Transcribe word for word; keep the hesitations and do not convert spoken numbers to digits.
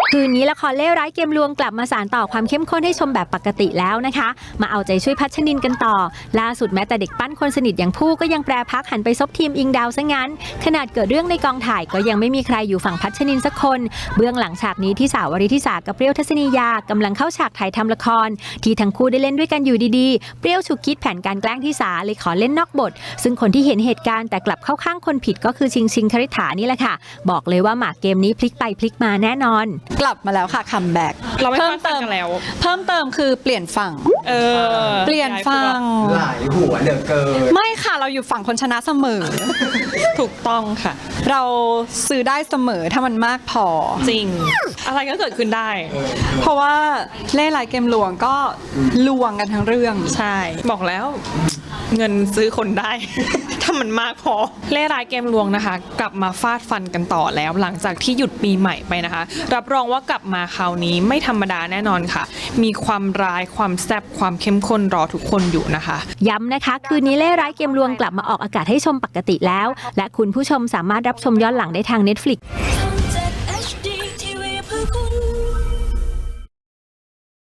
คืนนี้ละครเล่ร้ายเกมลวงกลับมาสานต่อความเข้มข้นให้ชมแบบปกติแล้วนะคะมาเอาใจช่วยพัชนินกันต่อล่าสุดแม้แต่เด็กปั้นคนสนิทอย่างผู้ก็ยังแปรพักหันไปซบทีมอิงดาวซะงั้นขนาดเกิดเรื่องในกองถ่ายก็ยังไม่มีใครอยู่ฝั่งพัชนินสักคนเบื้องหลังฉากนี้ที่สาววริธิสากับเปรี้ยวทัศนียากำลังเข้าฉากถ่ายทำละครที่ทั้งคู่ได้เล่นด้วยกันอยู่ดีๆเปรี้ยวฉุกคิดแผนการแกล้งที่สาเลยขอเล่นนอกบทซึ่งคนที่เห็นเหตุการณ์แต่กลับเข้าข้างคนผิดก็คือชิงชิงคฤษานี่แหละค่ะบอกเลยว่าหมากเกมนี้พลิกไปพลิกมาแน่นอนกลับมาแล้วค่ะคัมแบ็กเราไม่เพิ่มเติมแล้วเพิ่มเติมคือเปลี่ยนฝั่งเออเปลี่ยนฝั่งหลายหัวเหลือเกินไม่ค่ะเราอยู่ฝั่งคนชนะเสมอถูกต้องค่ะเราซื้อได้เสมอถ้ามันมากพอจริงอะไรก็เกิดขึ้นได้เพราะว่าเล่ห์ร้ายเกมลวงก็ลวงกันทั้งเรื่องใช่บอกแล้วเงินซื้อคนได้ ถ้ามันมากพอเล่ห์ร้ายเกมลวงนะคะกลับมาฟาดฟันกันต่อแล้วหลังจากที่หยุดปีใหม่ไปนะคะรับรองว่ากลับมาคราวนี้ไม่ธรรมดาแน่นอนค่ะมีความร้ายความแซ่บความเข้มข้นรอทุกคนอยู่นะคะย้ำนะคะคืนนี้เล่ห์ร้ายเกมลวงกลับมาออกอากาศให้ชมปกติแล้วและคุณผู้ชมสามารถรับชมย้อนหลังได้ทาง Netflix